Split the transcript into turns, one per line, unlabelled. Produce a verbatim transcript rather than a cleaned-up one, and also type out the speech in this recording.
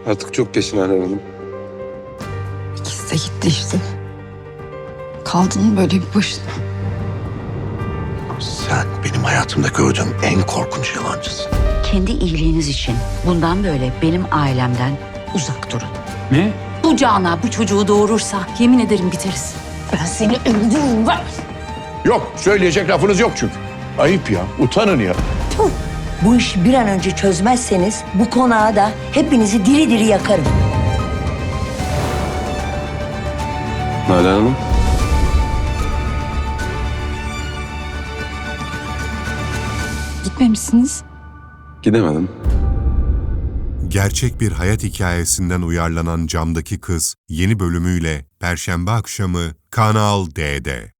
Artık çok geç Nalan Hanım.
İkisi de gitti işte. Kaldın böyle bir başına.
Sen benim hayatımda gördüğüm en korkunç yalancısın.
Kendi iyiliğiniz için bundan böyle benim ailemden uzak durun.
Ne?
Bu Cana bu çocuğu doğurursa yemin ederim biteriz. Ben seni öldürürüm. Ver.
Yok, söyleyecek lafınız yok çünkü. Ayıp ya, utanın ya.
Bu işi bir an önce çözmezseniz bu konağı da hepinizi diri diri yakarım.
Nalan Hanım.
Gitmemişsiniz.
Gidemedim.
Gerçek bir hayat hikayesinden uyarlanan Camdaki Kız yeni bölümüyle Perşembe akşamı Kanal D'de.